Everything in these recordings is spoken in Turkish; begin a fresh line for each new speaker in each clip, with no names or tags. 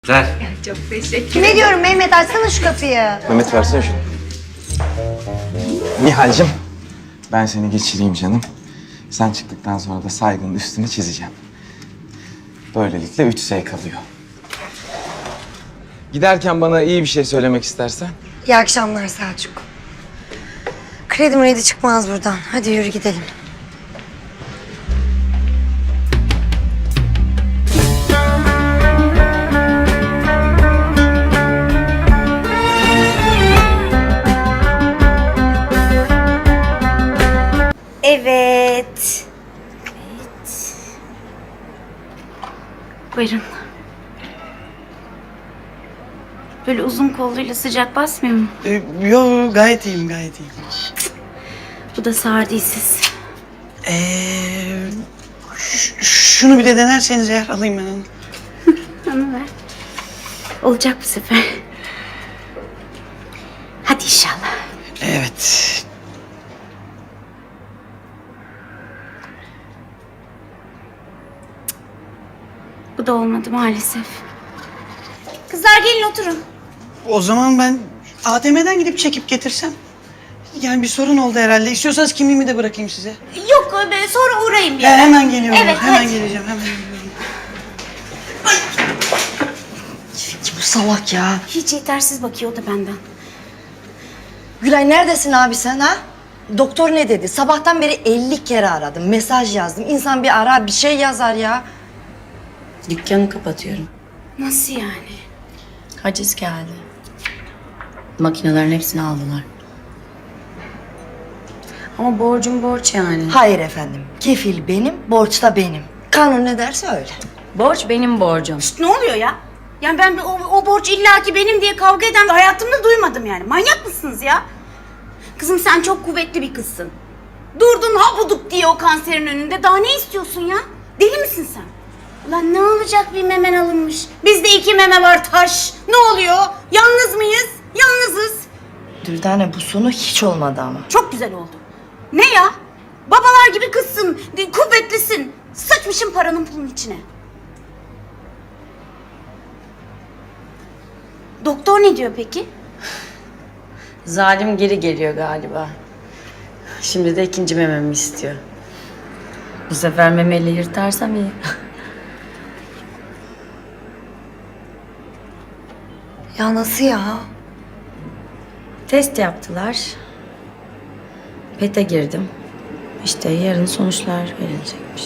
Ver.
Çok teşekkür
Kime diyorum Mehmet, açsana şu kapıyı.
Mehmet versene şunu. Nihal'cim, ben seni geçireyim canım. Sen çıktıktan sonra da saygının üstünü çizeceğim. Böylelikle 3S kalıyor. Giderken bana iyi bir şey söylemek istersen.
İyi akşamlar Selçuk. Kredim ready çıkmaz buradan. Hadi yürü gidelim.
Evet. Buyurun. Böyle uzun kolluyla sıcak basmıyor mu?
Yo gayet iyiyim, gayet iyiyim.
Bu da sağır değilsiz.
Şunu bir de denerseniz eğer alayım ben onu.
Onu ver. Olacak bu sefer. Hadi inşallah.
Evet.
Bu da olmadı maalesef. Kızlar gelin oturun.
O zaman ben ATM'den gidip çekip getirsem. Yani bir sorun oldu herhalde. İstiyorsanız kimliğimi de bırakayım size.
Yok sonra uğrayayım bir
Hemen geliyorum.
Evet,
hemen
hadi.
geleceğim, hemen geliyorum.
Bu salak ya.
Hiç yetersiz bakıyor o da benden.
Gülay neredesin abi sen ha? Doktor ne dedi? Sabahtan beri 50 kere aradım, mesaj yazdım. İnsan bir ara, bir şey yazar ya.
Dükkanı kapatıyorum.
Nasıl yani?
Haciz geldi. Makinelerin hepsini aldılar. Ama borcum borç yani.
Hayır efendim, kefil benim, borç da benim. Kanun ne derse öyle.
Borç benim borcum.
Ne oluyor ya? Yani ben o borç illaki benim diye kavga eden hayatımda duymadım yani. Manyak mısınız ya? Kızım sen çok kuvvetli bir kızsın. Durdun habuduk diye o kanserin önünde. Daha ne istiyorsun ya? Deli misin sen? Ulan ne olacak bir memen alınmış. Bizde 2 meme var taş. Ne oluyor? Yalnız mıyız? Yalnızız.
Dürdane bu sonu hiç olmadı ama.
Çok güzel oldu. Ne ya? Babalar gibi kızsın. Kuvvetlisin. Sıçmışım paranın pulun içine. Doktor ne diyor peki?
Zalim geri geliyor galiba. Şimdi de 2. mememi istiyor. Bu sefer memeli yırtarsam iyi.
Ya nasıl ya?
Test yaptılar. PET'e girdim. İşte yarın sonuçlar verilecekmiş.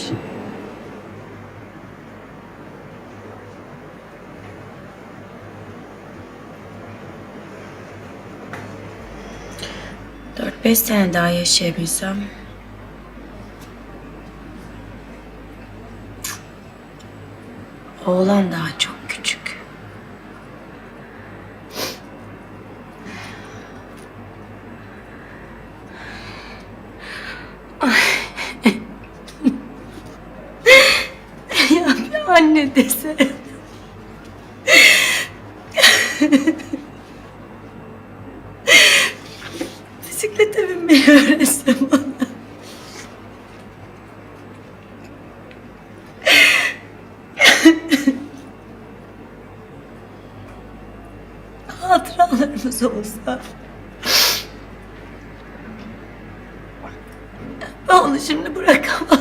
Dört beş sene daha yaşayabilsem... Oğlan daha çok küçük. Ya bir anne dese. Bisiklete binmeyi öğretsem ona. Hatıralarımız olsa. Ben onu şimdi bırakamam.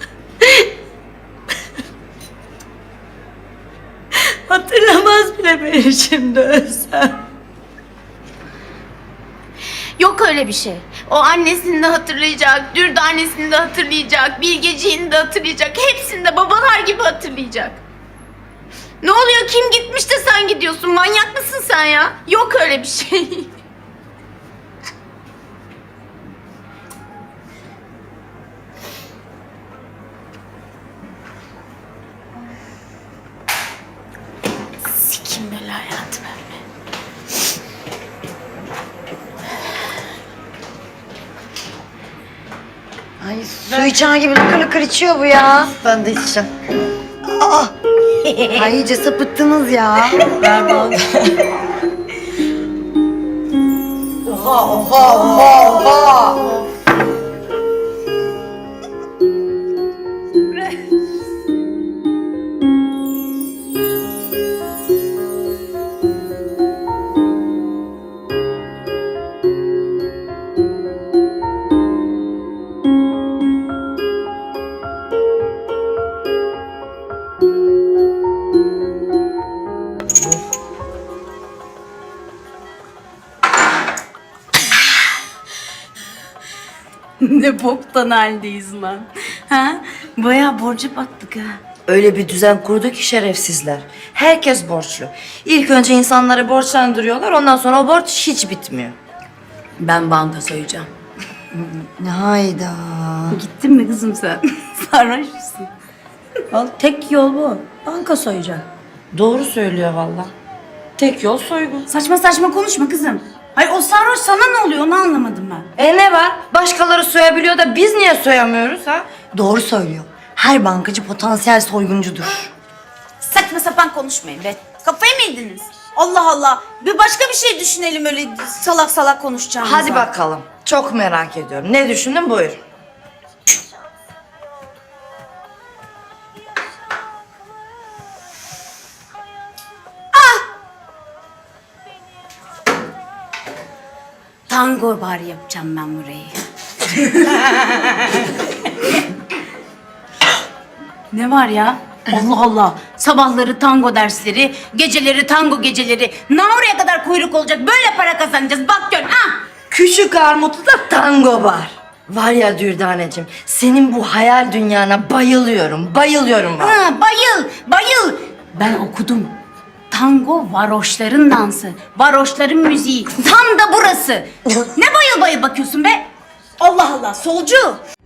Hatırlamaz bile beni şimdi ölsem.
Yok öyle bir şey. O annesini de hatırlayacak, Dürdanesini de hatırlayacak, Bilgeciğini de hatırlayacak. Hepsini de babalar gibi hatırlayacak. Ne oluyor? Kim gitmiş de sen gidiyorsun? Manyak mısın sen ya? Yok öyle bir şey. Sikim böyle hayatım öyle.
Ay su içen gibi lıkır lıkır içiyor bu ya. Ben de içeceğim. Aa! Ay iyice sapıttınız ya.
Ver bana.
Oha oha oha oha.
Ne boktan haldeyiz lan. Ha? Bayağı borca battık ha.
Öyle bir düzen kurdu ki şerefsizler. Herkes borçlu. İlk önce insanları borçlandırıyorlar, ondan sonra o borç hiç bitmiyor.
Ben banka soyacağım.
Hayda.
Gittin mi kızım sen? Sarhoş musun?
Al, tek yol bu. Banka soyacaksın.
Doğru söylüyor valla. Tek yol soygun.
Saçma saçma konuşma kızım. Hayır o sarhoş sana ne oluyor onu anlamadım ben.
Ne var? Başkaları soyabiliyor da biz niye soyamıyoruz ha? Doğru söylüyor. Her bankacı potansiyel soyguncudur.
Saçma sapan konuşmayın be. Kafayı mı yediniz? Allah Allah. Bir başka bir şey düşünelim öyle salak salak konuşacağımıza.
Hadi bakalım. Çok merak ediyorum. Ne düşündün buyur.
Tango bar yapacağım ben burayı. Ne var ya? Allah Allah. Sabahları tango dersleri, geceleri tango geceleri. Oraya kadar kuyruk olacak. Böyle para kazanacağız. Bak gör. Ha!
Küçük Armutlu'da tango var. Var ya Dürdaneciğim, senin bu hayal dünyana bayılıyorum. Bayılıyorum ben.
Ha, bayıl, bayıl. Ben okudum. Tango varoşların dansı, varoşların müziği. Tam da burası. Ne bayıl bayıl bakıyorsun be? Allah Allah, solcu.